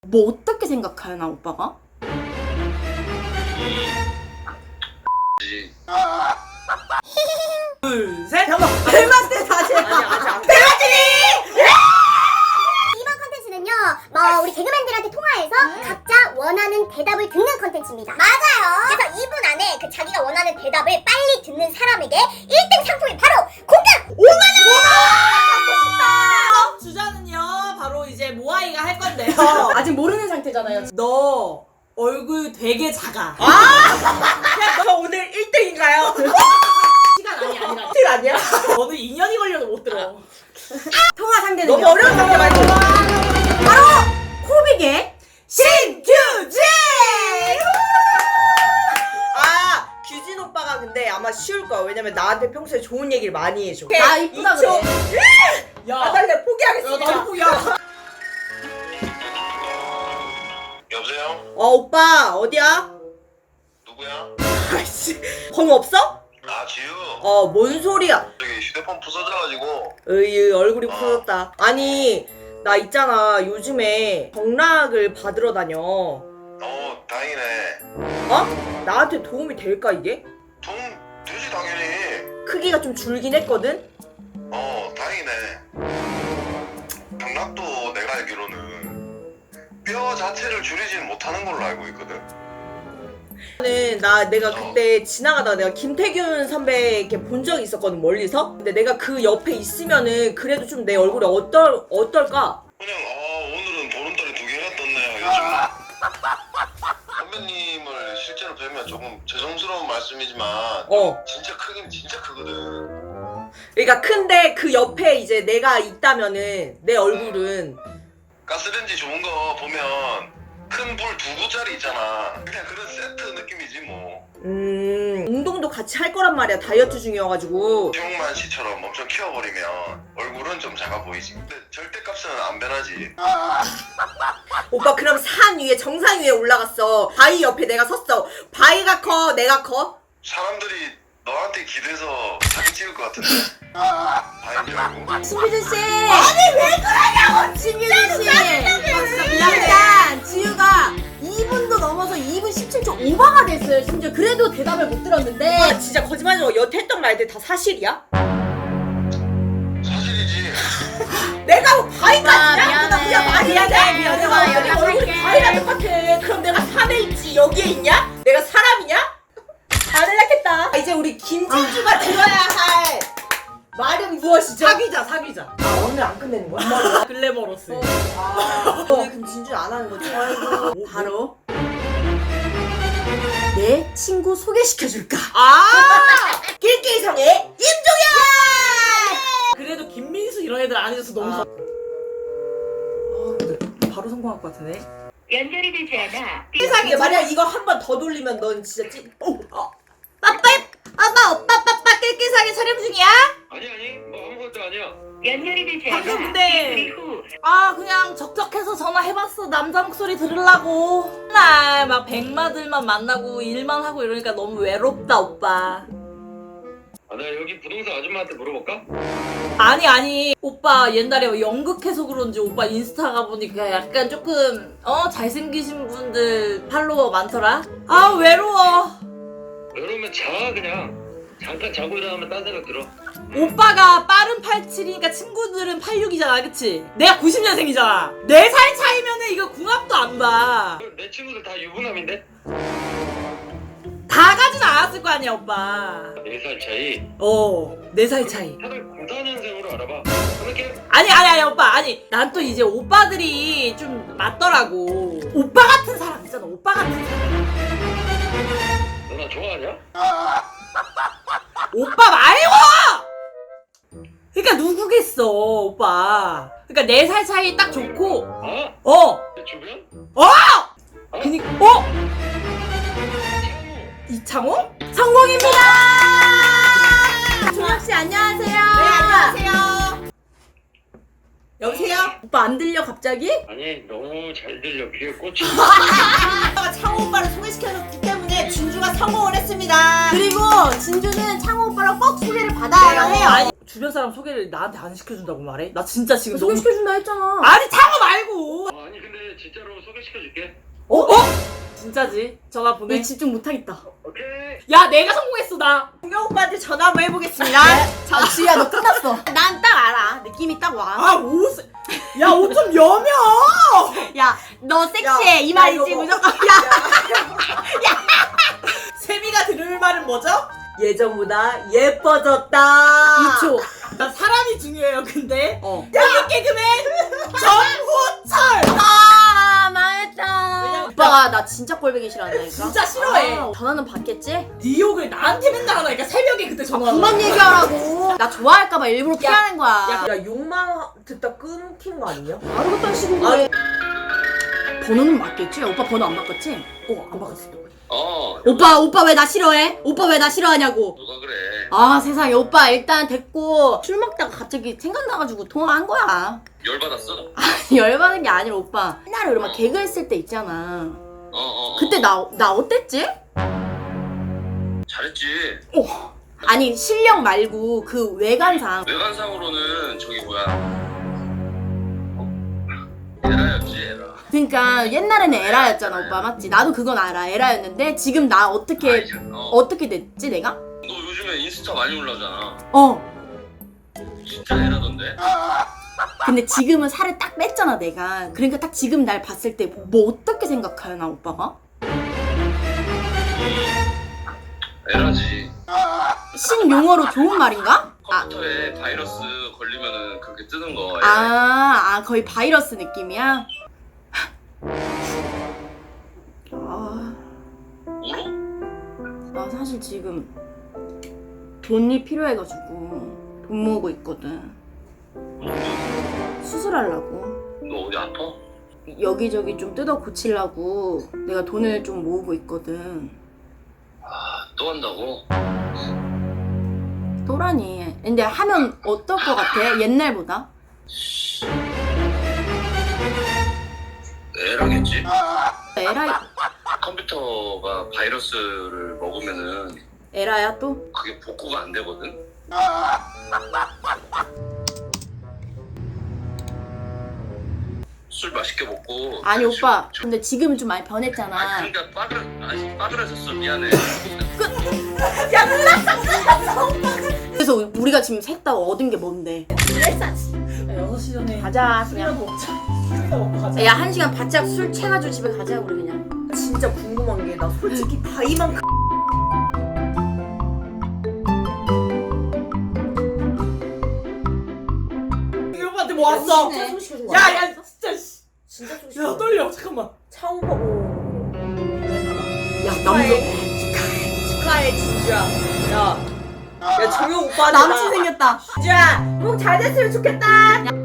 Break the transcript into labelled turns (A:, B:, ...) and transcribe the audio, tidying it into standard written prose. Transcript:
A: 뭐 어떻게 생각하나 오빠가?
B: 둘, 셋.
A: 잠깐만 벨마트 다시 해봐.
B: 아니 아직 안.
C: 이번 컨텐츠는요, 우리 개그맨들한테 통화해서 각자 원하는 대답을 듣는 컨텐츠입니다. 맞아요. 그래서 2분 안에 그 자기가 원하는 대답을 빨리 듣는 사람에게 1등 상품이 바로 공감 5만원!
B: 주자는요 바로 이제 모아이가 할 건데요.
A: 아직 모르는 상태잖아요.
B: 너 얼굴 되게 작아.
D: 야, 너 오늘 1등인가요?
B: 시간 아니라.
D: 실 아니야?
B: 너는 2년이 걸려도 못 들어.
A: 통화 상대는
D: 너무 어려운 상대 말고.
A: 바로 코빅의
D: 신규진! 아, 규진 오빠가 근데 아마 쉬울 거야. 왜냐면 나한테 평소에 좋은 얘기를 많이 해줘.
A: 나 이쁘다 그래.
B: 야,
D: 나달래 포기하겠습니다.
B: 나도 포기야.
E: 여보세요?
D: 오빠 어디야?
E: 누구야?
D: 아이씨, 번호 없어?
E: 아 지우.
D: 뭔 소리야?
E: 저기 휴대폰 부서져가지고.
D: 으이, 얼굴이 부서졌다. 아니, 나 있잖아. 요즘에 경락을 받으러 다녀.
E: 다행이네.
D: 나한테 도움이 될까 이게?
E: 돈 되지 당연히.
D: 크기가 좀 줄긴 했거든?
E: 다행이네. 경락도 내가 알기로는 뼈 자체를 줄이지는 못하는 걸로 알고 있거든.
D: 내가 그때 지나가다가 내가 김태균 선배 이렇게 본 적이 있었거든, 멀리서. 근데 내가 그 옆에 있으면은 그래도 좀 내 얼굴이 어떨까?
E: 그냥 오늘은 보름달이 2개가 떴네요 요즘. 선배님을 실제로 뵈면 조금 죄송스러운 말씀이지만 진짜 크긴 진짜 크거든.
D: 그러니까 큰데 그 옆에 이제 내가 있다면은 내 얼굴은
E: 가스레인지 좋은 거 보면 큰 불 2구짜리 있잖아. 그냥 그런 세트 느낌이지 뭐.
D: 운동도 같이 할 거란 말이야. 다이어트 중이어가지고.
E: 최용만 씨처럼 엄청 키워버리면 얼굴은 좀 작아 보이지. 근데 절대값은 안 변하지.
D: 오빠 그럼 산 위에 정상 위에 올라갔어. 바위 옆에 내가 섰어. 바위가 커 내가 커?
E: 사람들이 너한테 기대서 사진 찍을 것 같은데. 바인 줄 알고.
A: 신규진 씨. 아니 왜 그러냐고. 신규진 씨. 진짜 미안해. 지우가 2분도 넘어서 2분 17초 오버가 됐어요. 심지어 그래도 대답을 못 들었는데.
D: 진짜 거짓말하지 마. 여태 했던 말들 다 사실이야?
E: 사실이지.
D: 내가 바위가 지나구나.
A: 미안해.
D: 그냥 말이
A: 미안해.
D: 내가
A: 연락할게.
D: 얼굴이 바위랑 똑같아. 그럼 내가 산에 있지 여기에 있냐? 내가 사람이냐? 안 연락했다. 이제 우리 김진주가 들어야 할 말은 무엇이죠?
B: 사귀자.
D: 오늘 안 끝내는 거야?
B: 글래머러스.
D: 오늘 그럼 진주 안 하는 거지? 아이고.
A: 바로 내 친구 소개시켜줄까?
D: 길길성의 임종현!
B: 그래도 김민수 이런 애들 안 해줘서 너무 근데 바로 성공할 것 같은데.
F: 연결이 되지 않아.
D: 세상에 만약 이거 한 번 더 돌리면 넌 진짜
A: 오빠 낄낄사기 촬영 중이야?
E: 아니 뭐 아무것도 아니야.
F: 연결이 되지
B: 방금
F: 않아.
B: 근데-
F: 그리고
B: 그냥 적적해서 전화해봤어. 남자 목소리 들으려고. 맨날 막 백마들만 만나고 일만 하고 이러니까 너무 외롭다 오빠.
E: 나 여기 부동산 아줌마한테 물어볼까?
B: 아니 오빠 옛날에 연극해서 그런지 오빠 인스타 가보니까 약간 조금 잘생기신 분들 팔로워 많더라. 외로워.
E: 외로우면 자 그냥. 잠깐 자고 일어나면 딴 생각 들어.
B: 오빠가 빠른 87이니까 친구들은 86이잖아, 그치? 내가 90년생이잖아. 4살 차이면은 이거 궁합도 안 봐.
E: 내 친구들 다 유부남인데?
B: 다 가진 않았을 거 아니야, 오빠.
E: 4살 차이.
B: 4살 차이.
E: 다들 94년생으로 알아봐. 그렇게
B: 아니, 오빠. 아니, 난 또 이제 오빠들이 좀 맞더라고. 오빠 같은 사람 있잖아, 오빠 같은 사람.
E: 너 나 좋아하냐?
B: 오빠 말고! 그러니까 누구겠어, 오빠. 그러니까 4살 차이 딱 좋고,
E: 내 주변?
B: 이창호?
A: 성공입니다. 종혁씨 안녕하세요.
D: 네, 안녕하세요.
A: 여보세요? 오빠 안 들려 갑자기?
E: 아니 너무 잘 들려. 귀에 꽂히.
D: 창호 오빠를 소개시켜줬기 때문에 진주가 성공을 했습니다.
A: 그리고 진주는 창호 오빠랑 꼭 소개를 받아야 해요.
B: 아니, 주변 사람 소개를 나한테 안 시켜준다고 말해? 나 진짜 지금 너무
A: 소개시켜준다 했잖아.
B: 아니 창호 말고
E: 아니 근데 진짜로 소개시켜줄게.
B: 진짜지? 전화 보내.
A: 내 집중 못하겠다.
E: 오케이.
B: 야 내가 성공했어 나.
D: 동경 오빠한테 전화 한번 해보겠습니다.
A: 자, 지우야, 너 끝났어. 난 딱 알아. 느낌이 딱 와.
D: 아, 야, 옷 좀 여며!
A: 야, 너 섹시해.
D: 야,
A: 이 말이지,
D: 이거 뭐-
A: 무조건.
D: 세미가 들을 말은 뭐죠? 예전보다 예뻐졌다.
A: 2초.
D: 나 사람이 중요해요, 근데.
A: 어.
D: 여기 개그맨 정호철!
A: 아, 망했다. 오빠가 나 진짜 꼴보기 싫어한다니까.
D: 진짜 싫어해.
A: 전화는 받겠지?
D: 네 욕을 나한테 맨날 하니까 새벽에 그때 전화.
A: 그만 얘기하라고. 나 좋아할까봐 일부러 피하는 거야.
D: 야, 욕만 듣다 끊긴 거 아니냐?
A: 바로 그딴 식으로 해. 번호는 맞겠지? 오빠 번호 안 바꿨지?
D: 안 바꿨어.
A: 오빠 왜 나 싫어해? 오빠 왜 나 싫어하냐고.
E: 누가 그래?
A: 아 세상에 오빠 일단 됐고 술 먹다가 갑자기 생각나가지고 통화한 거야.
E: 열받았어?
A: 열받은 게 아니라 오빠 옛날에 우리 막 개그 했을 때 있잖아. 그때 나 어땠지?
E: 잘했지.
A: 아니 실력 말고 그 외관상.
E: 외관상으로는 저기 뭐야? 에라였지 에라.
A: 그러니까 옛날에는 에라였잖아 오빠 맞지? 나도 그건 알아 에라였는데 지금 나 어떻게 됐지 내가?
E: 너 요즘에 인스타 많이 올라오잖아. 진짜 에라던데?
A: 근데 지금은 살을 딱 뺐잖아 내가. 그러니까 딱 지금 날 봤을 때 뭐 어떻게 생각하나 오빠가?
E: 에라지.
A: 신용어로 좋은 말인가?
E: 컴퓨터에 바이러스 걸리면은 그렇게 뜨는 거. 에라.
A: 거의 바이러스 느낌이야?
E: 울어?
A: 나 사실 지금 돈이 필요해가지고 돈 모으고 있거든. 수술하려고.
E: 너 어디 아파?
A: 여기저기 좀 뜯어 고치려고 내가 돈을 좀 모으고 있거든.
E: 또 한다고?
A: 또라니. 근데 하면 어떨 것 같아? 옛날보다?
E: 에라겠지?
A: 에라,
E: 컴퓨터가 바이러스를 먹으면은
A: 에라야 또?
E: 그게 복구가 안 되거든? 술 맛있게 먹고.
A: 아니 오빠 근데 지금은 좀 많이 변했잖아.
E: 그러니까 빠그라졌어. 미안해.
A: 그래서 우리가 지금 셋 다 얻은 게 뭔데?
D: 6시 전에
A: 가자
D: 술이나
A: 그냥.
D: 먹자. 술이나 먹고 가자.
A: 야 1시간 바짝 술 채가지고 집에 가자 우리 그냥.
D: 진짜 궁금한 게 나 솔직히 바이만큼 이 오빠한테 뭐 왔어?
A: 진짜
D: 야 진짜 진짜 야 떨려 잠깐만 차오빠
A: 야 남자
D: 축하해 진주야 야 정용 오빠한테
A: 남친 생겼다.
D: 진주야 꼭 잘 됐으면 좋겠다